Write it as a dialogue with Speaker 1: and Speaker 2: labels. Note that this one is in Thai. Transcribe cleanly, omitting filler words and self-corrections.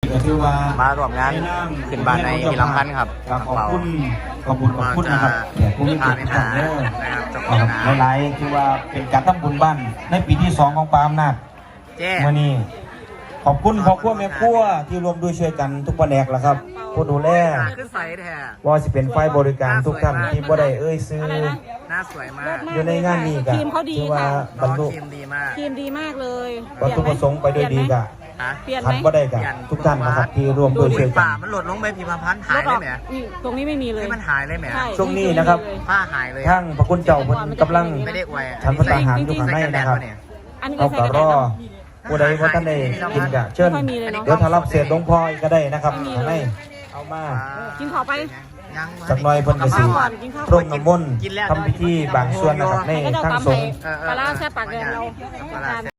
Speaker 1: มาร่วมงานขึ้นบ้านในพิรำพันธ์ครับ
Speaker 2: ขอบคุณนะครับแขกผู้มีเกียรติทุกท่านหลายๆคือว่าเป็นการทำบุญบ้านในปีที่2ของปาอำนาจเมื่อนี้ขอบคุณพ่อครัวแม่ครัวที่รวมด้วยช่วยกันทุกแผนกแล้วครับผู้ดูแลว่าสิเป็นฝ่ายบริการทุกท่านที่บ่ได้ซื้อ
Speaker 1: หน้าสวยมาก
Speaker 2: อยู่ในงานนี้ก็คือว่าบรรลุ
Speaker 1: ทีมดีมาก
Speaker 3: ทีมดีมากเลย
Speaker 2: วัตถุประสงค์ไปด้วยดีกะ
Speaker 3: เปลี่ยนไห
Speaker 2: ทั
Speaker 3: ม
Speaker 2: นบ่ได้กะทุกท่านนะครับที่รวมด้วยช่วยกัน
Speaker 1: ป่ามันหล่นลงไปพิมพ์พันธ์หายเลยแหม
Speaker 3: ตรงนี้ไม่มีเลย
Speaker 1: มันหายเลยแหม
Speaker 2: ช่วงนี้นะครับ
Speaker 1: ผ้าหายเลย
Speaker 2: ทั้งพระคุณเจ้าเพิ่นกำลัง
Speaker 1: ไม่ได้อวย
Speaker 2: ทำพระทหารอยู่ข้างในนะครับ
Speaker 3: อันนี้
Speaker 2: เอา
Speaker 3: ใส่
Speaker 2: ก็
Speaker 3: กระ
Speaker 2: ร
Speaker 3: ดา
Speaker 2: อ
Speaker 3: ษ
Speaker 2: ผู้ใดว่าท่านได้กินกะเชิญเดี๋ยวถ้ารับเศษหลวงพ่ออีกก็ได้นะครับข้างในเอามา
Speaker 3: กินข้าวไป
Speaker 2: สักหน่อยเพิ่นก็สิพรมน้ำมนต์ทำพิธีบางส่วนนะครับใน
Speaker 3: ให้ก็เจ้า
Speaker 2: ทาง
Speaker 3: ตำ
Speaker 2: ส
Speaker 3: ไป
Speaker 2: งฆ์
Speaker 3: ปลาร้าแซ่บปากแดงเรา